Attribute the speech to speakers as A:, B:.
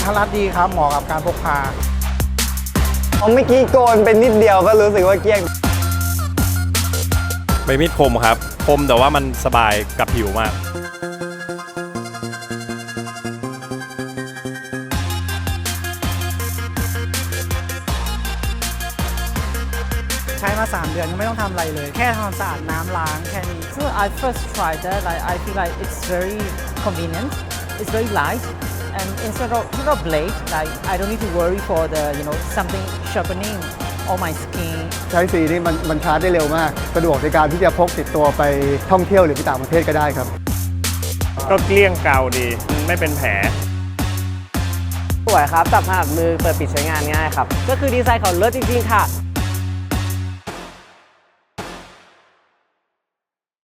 A: ทรัดดีครับเหมาะกับการพกพา
B: เมื่อกี้โกนเป็นนิดเดียวก็รู้สึกว่าเกลี้ยง
C: ใบมีดคมครับคมแต่ว่ามันสบายกับผิวมาก
A: ใช้มา3 เดือนยังไม่ต้องทำอะไรเลยแค่ทำความสะอาดน้ำล้างแค่นี้
D: So I first tried that. I feel like it's very convenient. It's very light, and instead of blade, like I don't need to worry for the something sharpening on my skin.
E: ใช้สีนี่มันชาร์จได้เร็วมากสะดวกในการที่จะพกติดตัวไปท่องเที่ยวหรือไปต่างประเทศก็ได้ครับ
C: ก็เกลี้ยงเกาดีไม่เป็นแผล
B: สวยครับจับถนัดมือเปิดปิดใช้งานง่ายครับ
D: ก็คือดีไซน์เขาเลิศจริงๆค่ะ